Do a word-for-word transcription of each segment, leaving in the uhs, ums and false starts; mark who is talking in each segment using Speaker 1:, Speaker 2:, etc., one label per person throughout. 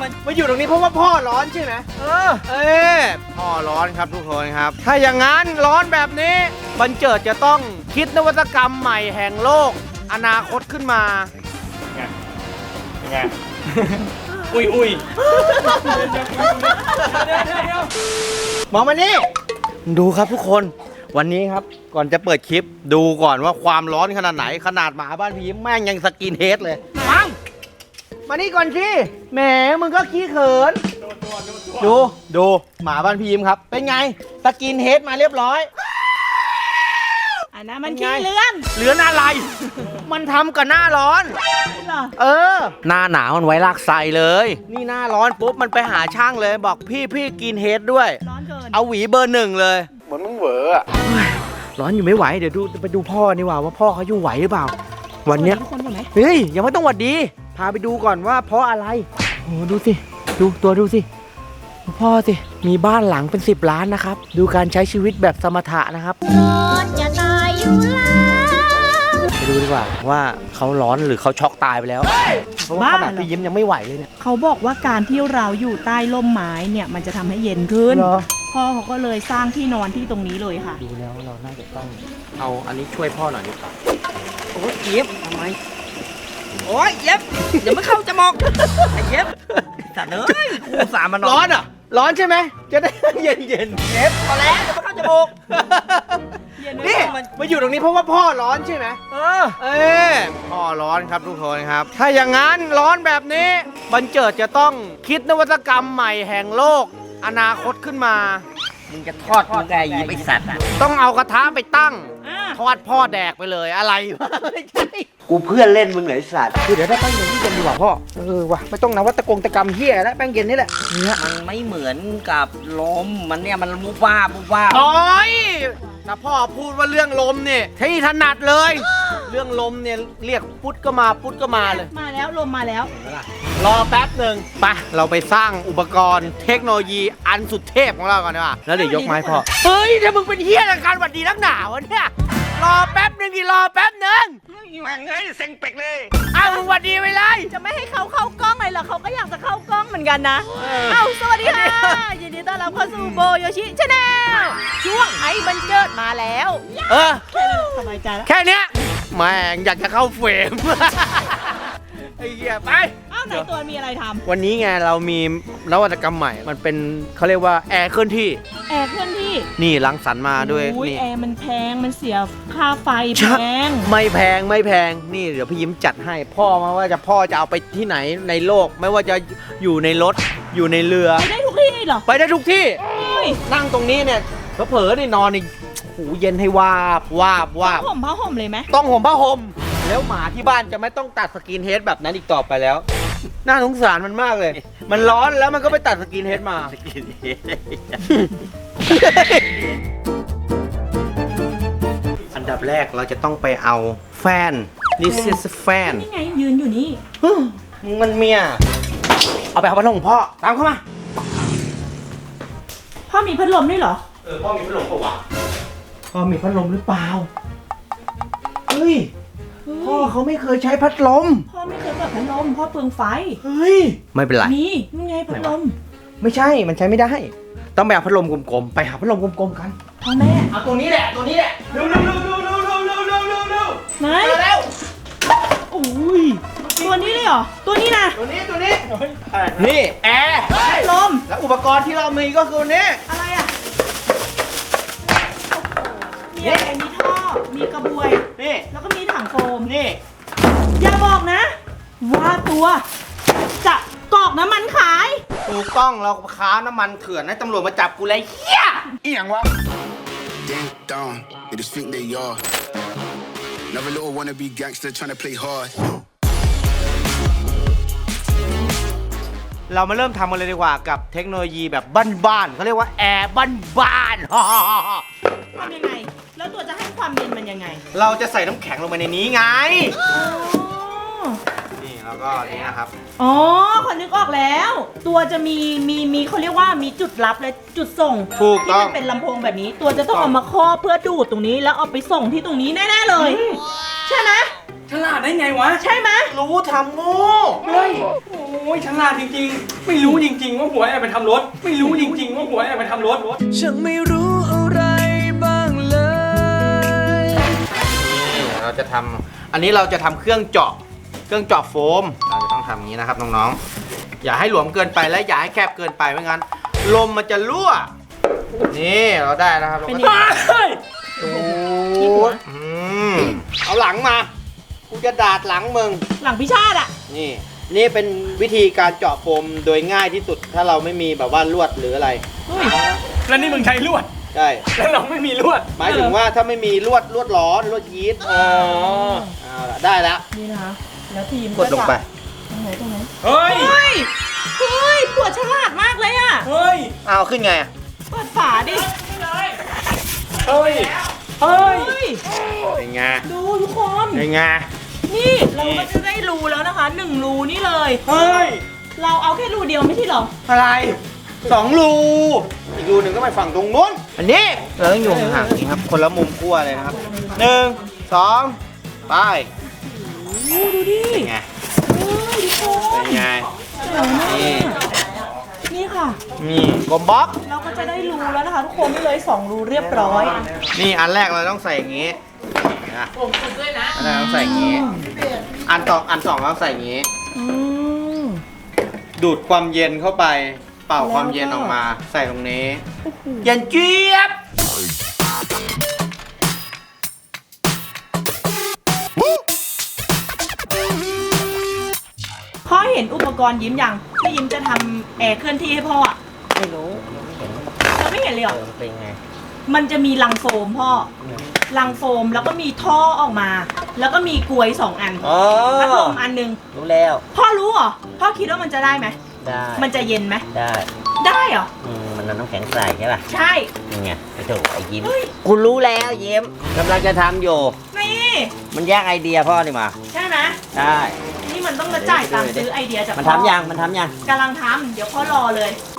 Speaker 1: มาอยู่ตรงนี้เพราะว่าพ่อร้อนใช่ไหมเออเออพ่อร้อนครับทุกคนครับถ้าอย่างนั้นร้อนแบบนี้บันเจิดจะต้องคิดนวัตกรรมใหม่แห่งโลกอนาคตขึ้นมาไงไงอุ้ยอุ้ยมองมานี่ดูครับทุกคนวันนี้ครับก่อนจะเปิดคลิปดูก่อนว่าความร้อนขนาดไหนขนาดหมาบ้านพี่แม่งยังสกินเฮดเลยฟังมานี่ก่อนสิแหมมึงก็ขี้เขินดูดูหมาบ้านพี่ยิ้มครับเป็นไงสกินเฮดมาเรียบร้อย
Speaker 2: อันนั้นมันขี้เลื่อน
Speaker 1: เลื่อนอะไร มันทำกับหน้าร้อนเออหน้าหนาวมันไว้ลากไซเลยนี่หน้าร้อนปุ๊บมันไปหาช่างเลยบอกพี่พี่กินเฮดด้วยร้อนเกินเอาหวีเบอร์หนึ่งเลยเหมือนมึงเหวออะร้อนอยู่ไม่ไหวเดี๋ยวดูไปดูพ่อนี่ว่าว่าพ่อเขาอยู่ไหวหรือเปล่าวันเนี้ยเฮ้ยยังไม่ต้องหวัดดีพาไปดูก่อนว่าเพราะอะไรโอ้ดูสิดูตัวดูสิพ่อสิมีบ้านหลังเป็นสิบล้านนะครับดูการใช้ชีวิตแบบสมถะนะครับร้อนจะตายอยู่แล้วไปดูดีกว่าว่าเขาร้อนหรือเขาช็อกตายไปแล้วเพราะว่าขนาดพี่ยิ้มยังไม่ไหวเลยเนี่ย
Speaker 2: เขาบอกว่าการที่เราอยู่ใต้ร่มไม้เนี่ยมันจะทำให้เย็นขึ้นพ่อเขาก็เลยสร้างที่นอนที่ตรงนี้เลยค่ะ
Speaker 1: ดูแล้วเราน่าจะต้องเอาอันนี้ช่วยพ่อหน่อยดีกว่าโอ้ยเย็บทำไมโอ้ยเย็บเดี๋ยวไม่เข้าจมูกไอ้เย็บสัตว์เอ้ยกูสามมันร้อนอ่ะร้อนใช่ไหมจะได้เย็นเย็นเย็บพอแล้วเดี๋ยวไม่เข้าจมูกนี่มาอยู่ตรงนี้เพราะว่าพ่อร้อนใช่ไหมเออเออพ่อร้อนครับทุกคนครับถ้าอย่างนั้นร้อนแบบนี้บันเจิดจะต้องคิดนวัตกรรมใหม่แห่งโลกอนาคตขึ้นมามึงจะทอดมึงไงยิบไอสัตว์ต้องเอากระทะไปตั้งทอดพ่อแดกไปเลยอะไรวะไม่ใช่
Speaker 3: กูเพื่อนเล่นมึงไหนสัตว์
Speaker 1: คือเดี๋ยวได้แป้งเย็นที่เย็นดีกว่าพ่อเออวะไม่ต้องนวัตกรรมตะกรรมเฮียแล้วแป้งเย็นนี่แหละเนี่ย
Speaker 3: มันไม่เหมือนกับลมมันเนี่ยมันมุบ้ามุบ้า
Speaker 1: โอ้ยถ้าพ่อพูดว่าเรื่องลมเนี่ยที่ถนัดเลยเรื่องลมเนี่ยเรียกพุทธก็มาพุทธก็มาเลย
Speaker 2: มาแล้วลมมาแล้ว
Speaker 1: รอแป๊บหนึ่งไปเราไปสร้างอุปกรณ์เทคโนโลยีอันสุดเทพของเราก่อนดีกว่าแล้วเดี๋ยวยกไม้พ่อเฮ้ยถ้ามึงเป็นเฮียในการหวัดดีนักหนาวะเนี่ยรอแป๊บหนึ่งดิรอแป๊บหนึ่ง
Speaker 3: มันเฮ้ยเซ็งเป็กเลย
Speaker 1: อ้าวมึงหวัดดีไปเลย
Speaker 2: จะไม่ให้เขาเข้ากล้องเลยเหรอเขาก็อยากจะเข้ากล้องเหมือนกันนะเอ้าสวัสดีค่ะยินดีต้อนรับเข้าสู่โบโยชิชาแนลช่วงไอ้บันเจิดมาแล้ว
Speaker 1: เออ
Speaker 2: สบายใจแล้ว
Speaker 1: แค่เนี้ยแม่งอยากจะเข้าเฟรมไอ้เหี้ยไป
Speaker 2: อ้าวไหนตัวมีอะไรท
Speaker 1: ำวันนี้ไงเรามีนวัตกรรมใหม่มันเป็นเขาเรียกว่าแอร์เคลื่อนที่
Speaker 2: แอร์เคลื่อนที่
Speaker 1: นี่รังสรรค์มาด้วย
Speaker 2: นี่แอร์มันแพงมันเสียค่าไฟแพง
Speaker 1: ไม่แพงไม่แพงนี่เดี๋ยวพี่ยิ้มจัดให้พ่อมาว่าจะพ่อจะเอาไปที่ไหนในโลกไม่ว่าจะอยู่ในรถอยู่ในเรือ
Speaker 2: ไปได้ทุกที่เหรอ
Speaker 1: ไปได้ทุกที่นั่งตรงนี้เนี่ยเผลอๆนี่นอนนี่หูเย็นให้วาบวาบวาบ
Speaker 2: ต้องห่มผ้าห่มเลยไหม
Speaker 1: ต้องห่มผ้าห่มแล้วหมาที่บ้านจะไม่ต้องตัดสกินเฮดแบบนั้นอีกต่อไปแล้วน่าสงสารมันมากเลยมันร้อนแล้วมันก็ไปตัดสกินเฮดมาสกินเฮดอันดับแรกเราจะต้องไปเอาแฟนนี่เสียแฟน
Speaker 2: นี่ไงยืนอยู่นี่
Speaker 1: มันเมียเอาไปเอาพัดลมพ่อตามเข้ามา
Speaker 2: พ่อมีพัดลมด้วยเหรอ
Speaker 1: เออพ่อมีพัดลมปะวะพ่อมีพัดลมหรือเปล่าเฮ้ยพ่อเขาไม่เคยใช้พัดลม
Speaker 2: พ่อไม่เคยเปิดพัดลมพ่อเปลืองไฟ
Speaker 1: เฮ้ยไม่เป็นไร
Speaker 2: นี่นี่ไงพัดลม
Speaker 1: ไม่ใช่มันใช้ไม่ได้ต้องไปเอาพัดลมกลมๆไปหาพัดลมกลมๆกัน
Speaker 2: พ่อแม่
Speaker 1: เอาตัวนี้แหละตัวนี้แหละเร็วเร็วเร็วเร็วเร็วเร็วเร็วเร็วเร็วเร็ว
Speaker 2: ไหน
Speaker 1: เร็ว
Speaker 2: โอ้ยตัวนี้เลยเหรอตัวนี้นะ
Speaker 1: ตัวนี้ตัวนี้นี่แอร์
Speaker 2: พัดลม
Speaker 1: แล้วอุปกรณ์ที่เรามีก็คือนี้
Speaker 2: อะไรอ่ะมีอะไรมีท่อมีกระบวย
Speaker 1: นี่
Speaker 2: แล้วก็มีถังโฟม
Speaker 1: นี่
Speaker 2: อย่าบอกนะว่าตัวจะกรอกน้ำมันขาย
Speaker 1: ถูกต้องเราค้าน้ำมันเถื่อนให้ตำรวจมาจับกูเลยเฮียอีหยังวะ
Speaker 4: Ding dong, you just think they are. Never little wanna be gangster trying to play hard.
Speaker 1: เรามาเริ่มทำกันเลยดีกว่ากับเทคโนโลยีแบบบ้านๆเขาเรียกว่าแอร์บ้าน
Speaker 2: ๆทำยังไงแล้วตัวจะให้ความเย็นมันยังไง
Speaker 1: เราจะใส่น้ำแข็งลงไปในนี้ไงนี่แล้วก็นี่นะครับ
Speaker 2: อ๋อขอนึกออกแล้วตัวจะมีมีมีเขาเรียกว่ามีจุดรับและจุดส่งที่มันเป็นลำโพงแบบนี้ตัวจะต้องเอามาครอบเพื่อดูดตรงนี้แล้วเอาไปส่งที่ตรงนี้แน่ๆเลยใช่ไหม
Speaker 1: ใ
Speaker 5: ฉลาดได้ไงวะ
Speaker 2: ใช่ไหม
Speaker 1: รู้ทำโง่
Speaker 5: เฮ้ย โอ้ยฉลาดจริงๆ ไม่รู้จริงๆว่าหัวแอบไปทำรถ ไม่รู้จริงๆว่าหัวแอบไปทำรถ
Speaker 6: ฉันไม่รู้อะไรบ้างเลย
Speaker 1: นี่เราจะทำอันนี้เราจะทำเครื่องเจาะเครื่องเจาะโฟมเราจะต้องทำอย่างนี้นะครับน้องๆอย่าให้หลวมเกินไปและอย่าให้แคบเกินไปไม่งั้นลมมันจะรั่วนี่เราได้แล้วครับเรา
Speaker 2: เป็น
Speaker 1: ก็
Speaker 2: ยังไง
Speaker 1: ดูดอืมเอาหลังมากูจะดาดหลังมึง
Speaker 2: หลังพิชาติอ่ะ
Speaker 1: นี่นี่เป็นวิธีการเจาะโฟมโดยง่ายที่สุดถ้าเราไม่มีแบบว่าลวดหรืออะไร
Speaker 5: แล้วนี่มึงใช้ลวด
Speaker 1: ใช่
Speaker 5: แล้วเราไม่มีลวด
Speaker 1: หมายถึงว่าถ้าไม่มีลวดลวดร้อนลวดยีสต์
Speaker 5: อ๋อ
Speaker 1: เอาละได้แล้ว
Speaker 2: นี่นะคะ แล้วทีม
Speaker 1: กดลงไป
Speaker 2: ตรงไหนตรงไหน
Speaker 5: เฮ้ย
Speaker 2: เฮ้ย เฮ้ยปวดฉลาดมากเลยอ่ะ
Speaker 5: เฮ้ย
Speaker 1: เอาขึ้นไงอะ
Speaker 2: เปิดฝาดิ
Speaker 5: เฮ้ย เฮ้ย
Speaker 2: เฮ้ย
Speaker 1: เป็นไง
Speaker 2: ดูทุกคน
Speaker 1: เป็นไง
Speaker 2: นี่เราก็จะได้รูแล้วนะคะหนึ่งรูนี่เลย
Speaker 5: เฮ้ย
Speaker 2: เราเอาแค่รูเดียวไม่ใช่เหรอ
Speaker 1: อะไรสองรูอีกรูหนึ่งก็ไปฝั่งตรงนู้นอันนี้เราต้องอยู่ห่างๆนี้ครับคนละมุมขั้วเลยนะครับหนึ่งสองไป
Speaker 2: โอ้ดูดิ
Speaker 1: เป็นไง
Speaker 2: เฮ้ยทุกค
Speaker 1: เป็น นไง
Speaker 2: เจ๋งมาก
Speaker 1: นี่
Speaker 2: นี่ค่ะ
Speaker 1: นี่กลมบล็อก
Speaker 2: เราก็จะได้รูแล้วนะคะ ทุกคนนี่เลยสองรูเรียบร้อย
Speaker 1: นี่อันแรกเราต้องใส่อย่างงี้นะผมฝึกด้วยนะอันแรกต้องใส่อย่างงี้ อันสองอันสองเราต้องใส่อย่างงี้
Speaker 2: อืม
Speaker 1: ดูดความเย็นเข้าไป เป่าความเย็นออกมา ใส่ตรงนี้ เย็นเจี๊ยบ
Speaker 2: พ่อเห็นอุปกรณ์ยิ้มยังที่ยิ้มจะทำแอร์เคลื่อนที่ให้พ่ออะ
Speaker 3: ไม่รู้
Speaker 2: เราไม่เห็นเลยเหรอ
Speaker 3: เป็นไง
Speaker 2: มันจะมีลังโฟมพ่อลังโฟมแล้วก็มีท่อออกมา แล้วก็มีกลวยสองอัน
Speaker 3: อ๋อ
Speaker 2: พัดลมอันหนึง
Speaker 3: รู้แล้ว
Speaker 2: พ่อรู้เหรอพ่อคิดว่ามันจะได้ไหม
Speaker 3: ได้
Speaker 2: มันจะเย็นไหม
Speaker 3: ได้
Speaker 2: ได้เหรอ
Speaker 3: อืมมันน้ำแข็งใส่ใช่ป่ะ
Speaker 2: ใช่
Speaker 3: นี่ไงไอ้โถไอ้ยิ้ม
Speaker 2: เฮ้ย
Speaker 3: กูรู้แล้วยิ้มกำลังจะทำอยู่
Speaker 2: นี่
Speaker 3: มันแย่งไอเดียพ่อนี่มา
Speaker 2: ใช่ไหม
Speaker 3: ได้
Speaker 2: นี่มันต้องมาจ่ายตังค์ซื้อไอเดียจาก
Speaker 3: มัน
Speaker 2: พ่อ
Speaker 3: ทำยัง มันทำยัง
Speaker 2: กำลังทำเดี๋ยวพ่อรอเลย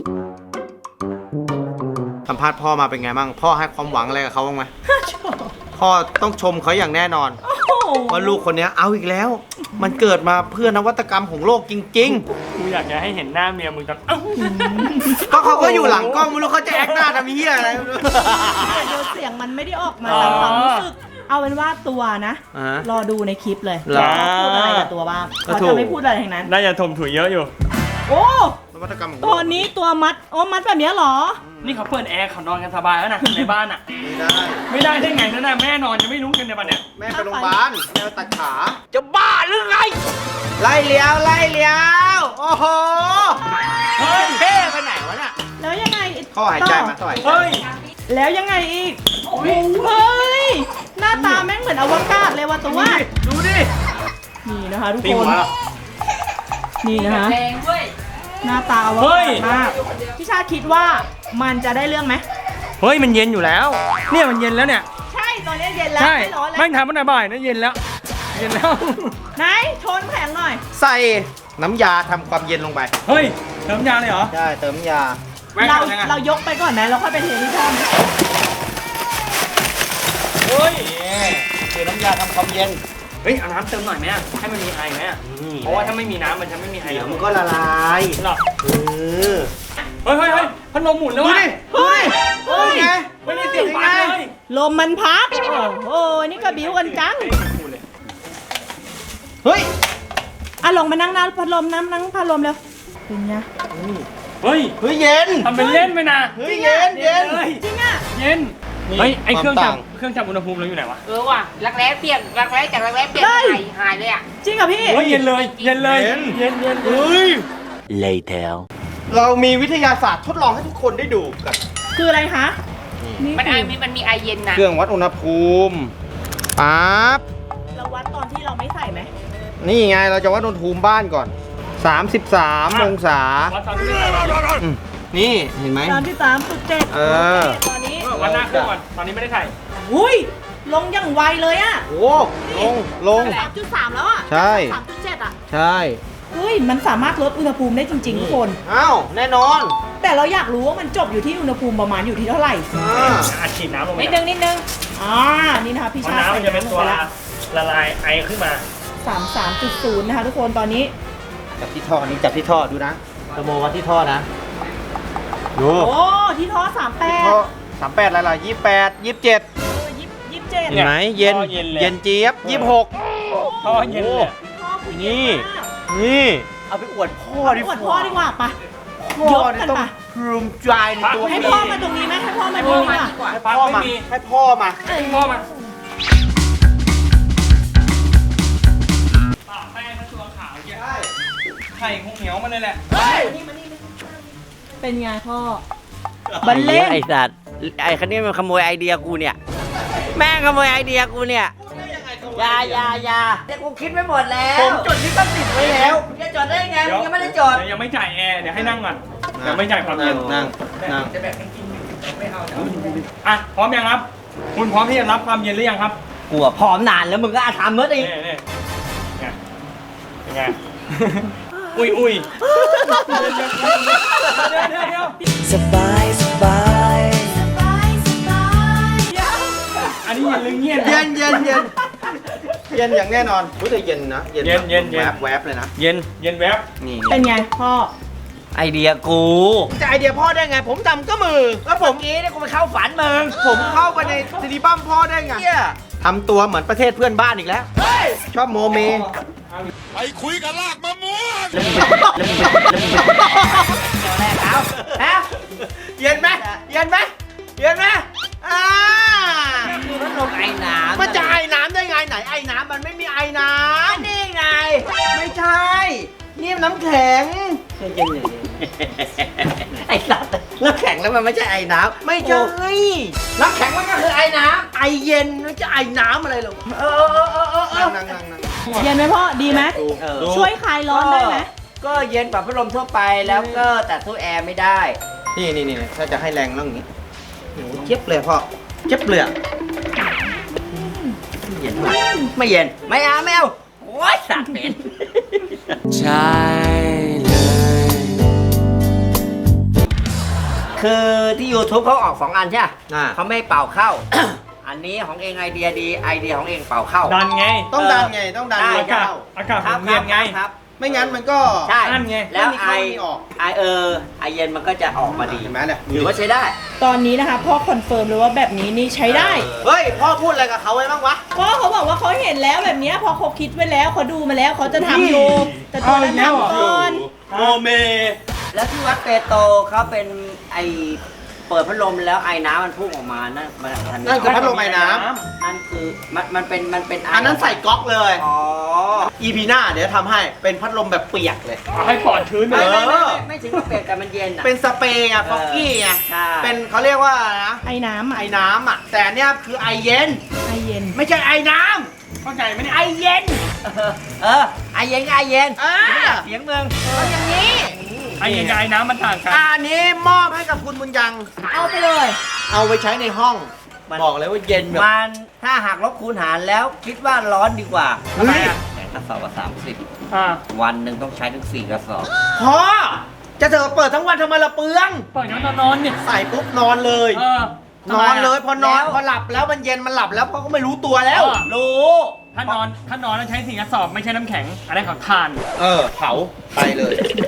Speaker 1: สัมภาษณ์พ่อมาเป็นไงบ้าง พ่อให้ความหวังอะไรกับเขาบ้างไหม พ่อต้องชมเขาอย่างแน่นอน
Speaker 2: โอ้โห
Speaker 1: ว่าลูกคนนี้เอาอีกแล้ว มันเกิดมาเพื่อนวัตกรรมของโลกจริง
Speaker 5: กูอยากจะให้เห็นหน้าเมียมึงตอนเอ้า
Speaker 1: ๆ ก็เขาก็อยู่หลังกล้องไม่รู้เขาจะแอคหน้าทำเหี้ยอะไรไม่รู้
Speaker 2: แต่เดี๋ยวเสียงมันไม่ได้ออกมาตามความรู้สึก เอาเป็นว่าตัวนะ
Speaker 1: อ่าฮะ
Speaker 2: รอดูในคลิปเลย
Speaker 1: เหรอ
Speaker 2: ว่าพูดอะไรกับตัวบ้าง
Speaker 1: ก็
Speaker 2: เขา
Speaker 1: ถู
Speaker 2: จะ
Speaker 1: ก
Speaker 2: ไม่พูดอะไรทั้งนั้น
Speaker 5: น่าจะถมถุยเยอะอยู่
Speaker 2: โอ้
Speaker 1: นวัตกรรมของโล
Speaker 2: ตัว
Speaker 1: ก
Speaker 2: นี้ตัวมัดโอ้มัดแบบเนี้ยเหรอ
Speaker 5: นี่เขาเปิดแอร์เขานอนกันสบายแล้วนะในบ้านอ่ะ
Speaker 1: ไม่ได้
Speaker 5: ไม่ได้ได้ไงนั่นน่ะแม่นอนยังไม่รู้กันในบ้านเนี่ย
Speaker 1: แม่ไปโรงพยาบาลแม่ตัดขา จะบ้าหรือไง ไล่เลี้ยวไล่เลี้ยว โอ้โห เฮ้ยเท่ไปไหนวะเนี่ย
Speaker 2: แล้วยังไง
Speaker 1: พ่อหายใจมาต่อย
Speaker 5: เฮ้ย
Speaker 2: แล้วยังไงอีกโอ้โหเฮ้ยหน้าตาแม่งเหมือนอวกาศเลยว่ะตัว
Speaker 1: ดูดิ
Speaker 2: นี่นะคะทุก
Speaker 5: ตี
Speaker 2: ค
Speaker 5: หั
Speaker 2: น
Speaker 5: วเหรอ
Speaker 2: นี่นะคะหน้าตาอว
Speaker 5: เฮ้
Speaker 2: กาย ศมากพี่ชาคิดว่ามันจะได้เรื่องไหม
Speaker 5: เฮ้ยมันเย็นอยู่แล้ว เนี่ยมันเย็นแล้วเนี่ย
Speaker 2: ใช่ตอนนี้เย็นแล้ว
Speaker 5: ใช่
Speaker 2: ไม่ร้อนแล้ว
Speaker 5: แม่งทำมันบ่ายนะเย็นแล้ว เย็นแล้ว
Speaker 2: ไหนโชนำแข็งหน่อย
Speaker 1: ใส่น้ำยาทำความเย็นลงไป
Speaker 5: เฮ้ยเติมยาเลยเหรอ
Speaker 1: ใช่ เติมน้ำยา
Speaker 5: แม่ง
Speaker 2: เรา
Speaker 5: ทำยังไง
Speaker 2: เรายกไปก่อนไหมเราค่อยไปเทที่ช่อง
Speaker 5: เฮ้ย
Speaker 1: นี่คือน้ำยาทำความเย็น
Speaker 5: เฮ้ยเอาน้ำเติมหน่อยไหมอะให้มันมีไอไหมอะเพราะว่าถ้าไม่มีน้ำมันจะไม่มีไอ
Speaker 1: เดี๋ยว
Speaker 5: แล้ว
Speaker 1: มันก็ละลาย
Speaker 5: หรอ
Speaker 1: เออ
Speaker 5: เฮ้ยเฮ้ยเฮ้ยพัดลมหมุนแล้ว
Speaker 1: ดู
Speaker 5: วะ
Speaker 1: ดิ ดูดิ
Speaker 2: เฮ้ย
Speaker 1: ไง
Speaker 5: ไม่ได้เสียงฟ้าเลย
Speaker 2: ลมมันพัดโอ้ยนี่ก็บิ้วกันจัง
Speaker 1: เฮ้ย
Speaker 2: อ่ะลงมานั่งหน้าพัดลมน้ำนั่งพัดลมเร็วเป็นไง
Speaker 5: เฮ้ย
Speaker 1: เฮ้ยเย็น
Speaker 5: ทำเป็นเล่นไปนะ
Speaker 1: เฮ้ยเย็นเย็น
Speaker 5: เลย
Speaker 2: จริงอ่ะ
Speaker 5: เย็น
Speaker 1: นี่
Speaker 5: เฮ้ยไอเครื่อง
Speaker 1: ความ
Speaker 5: จั
Speaker 1: ต่า
Speaker 5: บ
Speaker 1: ง
Speaker 5: เครื่องจับอุณหภูมิเราอยู่ไหนวะ
Speaker 7: เออว่ะรักแร้เปลี่ยนรักแร้จากรักแร้เปลี่ยน
Speaker 2: เฮ้ย
Speaker 7: หายหายเลยอ่ะ
Speaker 2: จริงเหรอ่ะพี่
Speaker 5: เฮ้ยเย็นเลยเย็นเลย
Speaker 1: เย็น
Speaker 5: เย็นเย็น
Speaker 1: เฮ้ย
Speaker 3: later
Speaker 1: เรามีวิทยาศาสตร์ทดลองให้ทุกคนได้ดูกัน
Speaker 2: คืออะไรคะนี่
Speaker 7: มันไอ
Speaker 2: คือ
Speaker 7: มีมันมีไอเย็นนะ
Speaker 1: เครื่องวัดอุณหภูมิปั๊บ
Speaker 2: เราวัดตอนที่เราไม่ใส่ไหม
Speaker 1: นี่ไงเราจะวัดอุณหภูมิบ้านก่อน สามสิบสาม องศา
Speaker 5: วัดตอนนี้ไม่ได้วัด
Speaker 1: อืมนี่เห็นไหม
Speaker 2: สามที่สามจุดเจ็ด
Speaker 1: เออ
Speaker 2: ตอนนี้
Speaker 5: วัดหน้าเครื่องก่อนตอนนี้ไม่ได้ถ่าย
Speaker 2: อุ้ยลงอย่างไวเลยอ่ะ
Speaker 1: โอ้ลง ลง
Speaker 2: สามจุดสามแล้วอ่ะ
Speaker 1: ใช่
Speaker 2: สามจุดเจ็ดอ่ะ
Speaker 1: ใช่
Speaker 2: เฮ้ยมันสามารถลดอุณหภูมิได้จริงๆทุกคน
Speaker 1: อ้าว แน่นอน
Speaker 2: แต่เราอยากรู้ว่ามันจบอยู่ที่อุณหภูมิประมาณอยู่ที่เท่าไหร่
Speaker 1: อ่า
Speaker 5: อาฉีดน้ำลงไป
Speaker 2: นิดนึงนิดนึงอ่านี่นะคะพี่
Speaker 5: เพราะ
Speaker 2: ชาติ
Speaker 5: น้ำมันจะเป็นตัว
Speaker 2: ใส่ำลงไแล้ว
Speaker 5: ละลายไอขึ้นมา
Speaker 2: สามสามจุดศูนย์นะคะทุกคนตอนนี้
Speaker 1: จับที่ท่อนี้จับที่ท่อดูนะเทอร์โมวัดที่ท่อนะดู
Speaker 2: โอ้ที่ท่อสามแปด
Speaker 1: ท่อสามแปดอะไรล่ะยี่แปดยี่สิบเจ็ด
Speaker 2: เออยี่ยี่สิบเจ็ด
Speaker 1: เห็นไหมเย็น
Speaker 5: ท่อเย็นเลย
Speaker 1: เย็นเจี๊ยบยี่สิบหก
Speaker 5: ท่อเย็นเลย
Speaker 2: ท่อคุณ
Speaker 1: นี่
Speaker 2: เย็นมาก
Speaker 1: นี่เอาไปอวดพ่อดิ
Speaker 2: อวดพ่อดีกว่าปะ
Speaker 1: พ่อย
Speaker 2: กกัน
Speaker 1: เนี่ยต้อง
Speaker 2: ปะ
Speaker 1: ภูมิใจในตัว
Speaker 2: ให้พ่อมาตรงนี้ไหมให้พ่อมาตรงนี้ดีกว่า
Speaker 1: ให้พ่อมาให้พ่อมา
Speaker 5: พ่อมาปากแป้งทั้งตัวขาวเนี่ยไข่คงเหนียวมันเลยแหละ
Speaker 2: เป็นไงพ่อ บันเล่ง
Speaker 3: ไอ้สัตว์ไอ้คันนี้มันขโมยไอเดียกูเนี่ย แม่งขโมยไอเดียกูเนี่ยอยาอยาอยาเดี๋ยวกูคิดไว้หมดแล้ว
Speaker 1: ผมจดลิขสิทธิ์ไว้แล้ว
Speaker 3: มึงจะจดได้ไงมึงยังไม่ได้จด
Speaker 5: เดี๋ยวยังไม่จ่ายแอร์เดี๋ยวให้นั่งก่อนยังไม่จ่ายความเย็น
Speaker 1: นั่งนั่ง
Speaker 5: อ่ะพร้อมยังครับ คุณพร้อมที่จะรับความเย็นหรือยังครับ
Speaker 3: กูอะพร้อมนานแล้วมึงก็อาทำเมื่อ
Speaker 5: นี่
Speaker 3: อีก
Speaker 5: นี่ไงเป็นไง อุ้ยอุ้ยเดี๋ยวเดี๋ยวเดี๋ยวเดี๋ยวเดี๋ยว
Speaker 6: สบายสบาย
Speaker 5: อันนี้เย็นหรือเงียบ
Speaker 1: เย็นเย็นเย็นเย็นอย่างแน่นอนรู้แต่เย็นนะ
Speaker 5: เย็นเย็นเย็น
Speaker 1: แวบแวบเลยนะ
Speaker 5: เย็นเย็นแวบ
Speaker 1: นี่
Speaker 2: เป็นไงพ่อ
Speaker 3: ไอเดียกู
Speaker 1: จะไอเดียพ่อได้ไง ผมทำก็มือ แล้วผม
Speaker 3: กี้เนี่ยกูไปเข้าฝันมึง
Speaker 1: ผมเข้าไปในซีรีบัมพ่อได้ไงทำตัวเหมือนประเทศเพื่อนบ้านอีกแล้ว ชอบโมเม
Speaker 4: ไปคุยกันลากมะม่วง
Speaker 3: แรกเอาฮะ
Speaker 1: เย็นไหมเย็นไหมเย็นไหมอ่า
Speaker 3: คือพัดลมไอ้น้ำ
Speaker 1: มันจะไอน้ำได้ไงไหนไอน้ำมันไม่มีไอน้
Speaker 3: นี่ไง
Speaker 1: ำไม่ใช่ นี่มันน้ำแข็ง
Speaker 3: เย็นๆไอ้สัตว์น้ำแข็งแล้วมันไม่ใช่ไอ้น้ำ
Speaker 1: ไม่ใช่
Speaker 3: น้ำแข็งมันก็คือไอ้น้
Speaker 1: ไอเย็นมันจะไอน้ำอะไรหรอ
Speaker 3: ำเออเออเออเออเออ
Speaker 1: นั่งนั่งนั่ง
Speaker 2: เย็นไหมพ่อ ดีไหม
Speaker 3: เออ
Speaker 2: ช่วยคลายร้อนได้ไหม
Speaker 3: ก็เย็นกว่าพัดลมทั่วไปแล้วก็แต่ตู้แอร์ไม่ได้
Speaker 1: นี่นี่นี่ถ้าจะให้แรงต้องอย่างนี้โอ้โหเจ็บเลยพ่อเจ็บเลยอะ
Speaker 3: เย็นมากไม่เย็น ไม่เอาไม่เอาโอ้ยสัตว์เหม็น
Speaker 6: ใช่เลย
Speaker 3: คือที่ YouTube เขาออกสองอันใช่ไหม
Speaker 1: อ่า
Speaker 3: เขาไม่เป่าเข้า อันนี้ของเองไอเดียดีไอเดียของเองเป่าเข้า
Speaker 5: ดันไง
Speaker 1: ต้องดันไงต้องดัน
Speaker 3: ได้
Speaker 1: ลม
Speaker 5: อากาศ
Speaker 1: เข้า
Speaker 5: อากาศ
Speaker 3: ครับ
Speaker 5: หมุนเวียนไง
Speaker 3: ครับ
Speaker 1: ไม่งั้นมันก็
Speaker 3: ใช่
Speaker 5: อันไง
Speaker 3: แล้ว
Speaker 1: ไม่มี
Speaker 3: ไอ
Speaker 1: เข้าไม่มีออก
Speaker 3: ไอเออไอเย็นมันก็จะออกมาดี
Speaker 1: เห็นไหมเนี่ย
Speaker 3: ถือว่าใช้ได้
Speaker 2: ตอนนี้นะคะพ่อคอนเฟิร์มเลยว่าแบบนี้นี่ใช้ได้
Speaker 1: เฮ้ยพ่อพูดอะไรกับเขาไว้บ้างวะ
Speaker 2: พ่อเขาบอกว่าเขาเห็นแล้วแบบเนี้ยพอเขาคิดไว้แล้วเขาดูมาแล้วเขาจะทำอยู่แต่ตอนนั้นทำก่อน
Speaker 1: โมเม
Speaker 3: แล้วที่วัดเปโตรเขาเป็นไอเปิดพัดลมแล้วไอน้ำมันพุ่งออกมานั่นมันทัน
Speaker 1: นั่นคือพัดลมไอ้น้
Speaker 3: นั่นคือมันมันเป็นมันเป็น
Speaker 1: ำอันนั้นใส่ก๊อกเลย
Speaker 3: อ๋อ
Speaker 1: อีพีหน้าเดี๋ยวทำให้เป็นพัดลมแบบเปียกเลย
Speaker 5: เอาให้ปอดชื้นไป
Speaker 3: ไม่
Speaker 5: เลย
Speaker 3: ไม่ไม่ไม่ไม่ถึงกับเปลี่ยนแต่มันเย็นอ่ะ
Speaker 1: เป็นสเปรย์อะฟอกกี้อะ
Speaker 3: ใช่
Speaker 1: เป็นเขาเรียกว่าอะไรนะ
Speaker 2: ไอ้น้ำอ่ะ
Speaker 1: ไอ้น้ำอะแต่อันเนี้ยคือไอเย็น
Speaker 2: ไอเย็น
Speaker 1: ไม่ใช่ไอน้
Speaker 5: เข้าใจไหม
Speaker 1: ำ
Speaker 5: เนี่ย
Speaker 1: ไอเย็น
Speaker 3: เออเออไอเย็นก็ไอเย็น
Speaker 1: อ่า
Speaker 3: เสียงเมือง
Speaker 1: เอาอย่างนี้
Speaker 5: ไอ้เย็นกับไอ้น้ำมันต่างกัน
Speaker 1: อันนี้มอบให้กับคุณบุญยัง
Speaker 2: เอาไปเลย
Speaker 1: เอาไปใช้ในห้อง บอกเลยว่าเย็นแบบ
Speaker 3: มันถ้าหากลบคูณหารแล้วคิดว่าร้อนดีกว่า
Speaker 1: เฮ้ย
Speaker 3: แต่กระสอบละสามสิบ
Speaker 5: อ่า
Speaker 3: วันหนึ่งต้องใช้ถึงสี่กระสอบ
Speaker 1: พอจะเถอะเปิดทั้งวันทำไมละเปลือง
Speaker 5: ปล่อยน้องตอนนอนเนี่ย
Speaker 1: ใส่ปุ๊บนอนเลย
Speaker 5: เออน
Speaker 1: อนเลยพอนอน
Speaker 3: แล้ว
Speaker 1: พอหลับแล้วมันเย็นมันหลับแล้วพ่อก็ไม่รู้ตัวแล้ว
Speaker 3: รู้
Speaker 5: ถ้านอนถ้านอนแล้วใช้สี่กระสอบไม่ใช่น้ำแข็งอะไรของทาน
Speaker 1: เออเผาไปเลย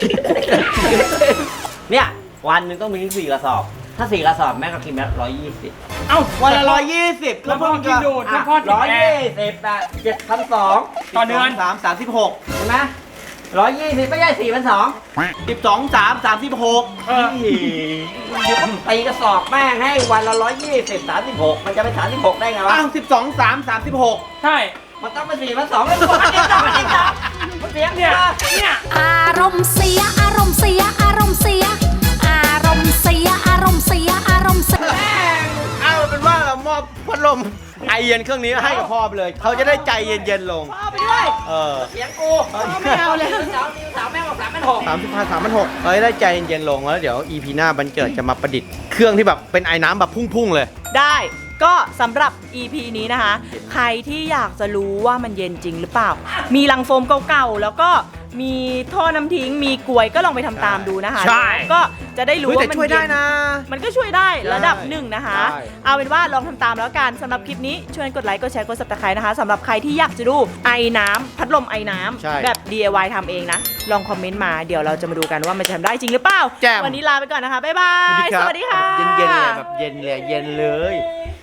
Speaker 3: เนี่ยวันหนึ่งต้องมีถึงสี่กระสอบ ถ้าสี่กระสอบแม่ก็กินแล้วร้อยยี่สิบ
Speaker 5: เอ้า
Speaker 1: วันละร้อยยี่สิบ
Speaker 5: แล้วพ่อกินดูดแล้วพ่อติด
Speaker 3: ร้อย
Speaker 5: แอ
Speaker 3: ยี่
Speaker 5: ร์
Speaker 3: สิบอ่ะเจ็ดพันสอง
Speaker 5: ต่อเดือน
Speaker 1: สามสามสิบหก
Speaker 3: ใช่ไหมร้อยยี่สิบไม่ใช่สี่พันสอง
Speaker 1: สิบสองสามสามสิบหก
Speaker 5: เออ
Speaker 3: ตีกระสอบแม่งให้วันละร้อยยี่สิบสามสิบหกมันจะเป็นสามสิบหกได้ไงวะ
Speaker 1: อ้าวสิบสองสามสามสิบหก
Speaker 5: ใช่
Speaker 3: มันต้องเป็นสี่พันสองเป็นคนที่สองที่สองมันเสียง
Speaker 5: เนี่
Speaker 3: เนี่ย ย
Speaker 5: เนี่ย
Speaker 8: อารมณ์เสียอารมณ์เสียอารมณ์เสียอารมณ์เสียอารมณ์เสียอารมณ์เสีย
Speaker 1: เอาเป็นว่าเรามอบพัดลมไอเย็นเครื่องนี้ให้กับพ่อไปเลย เขาจะได้ใจเย็นๆลง
Speaker 2: พ่อเอาไปด้วย
Speaker 1: เออ
Speaker 3: เสียงกู
Speaker 2: ไม่เอาเลย
Speaker 3: สาวนิวสาวแม่งบอกสามพันหก
Speaker 1: สามสิบห้าสามพันหกเขาจะได้ใจเย็นๆลงแล้วเดี๋ยวอีพีหน้าบันเจิดจะมาประดิษฐ์เครื่องที่แบบเป็นไอ้น้ำแบบพุ่งๆเลย
Speaker 2: ได้ก็สำหรับ อี พี นี้นะคะ ใครที่อยากจะรู้ว่ามันเย็นจริงหรือเปล่า มีลังโฟมเก่าๆ แล้วก็มีท่อน้ำทิ้งมีกลวยก็ลองไปทำตามดูนะคะ
Speaker 1: ใช่
Speaker 2: ก็จะได้รู้
Speaker 1: เฮ้ยแต่
Speaker 2: ว่ามัน
Speaker 1: ช่วยได้
Speaker 2: เย็น
Speaker 1: นะ
Speaker 2: มันก็ช่วยได้
Speaker 1: ใช่
Speaker 2: ระดับหนึ่งนะคะ
Speaker 1: ใช่
Speaker 2: เอาเป็นว่าลองทำตามแล้วกันสำหรับคลิปนี้ช่วยกดไลค์กดแชร์กด ซับสไครบ์ นะคะสำหรับใครที่อยากจะดูไอน้ำพัดลมไอน้ำ
Speaker 1: ใช่
Speaker 2: แบบ ดี ไอ วาย ทำเองนะ ลองคอมเมนต์มาเดี๋ยวเราจะมาดูกันว่ามันจะทำได้จริงหรือเปล่า
Speaker 1: แจ่ม
Speaker 2: วันนี้ลาไปก่อนนะคะบ๊ายบาย
Speaker 1: รับ
Speaker 2: สวัสดีค่ะ
Speaker 1: เย็นๆเลยแบบเย็นเลยเย็นเลย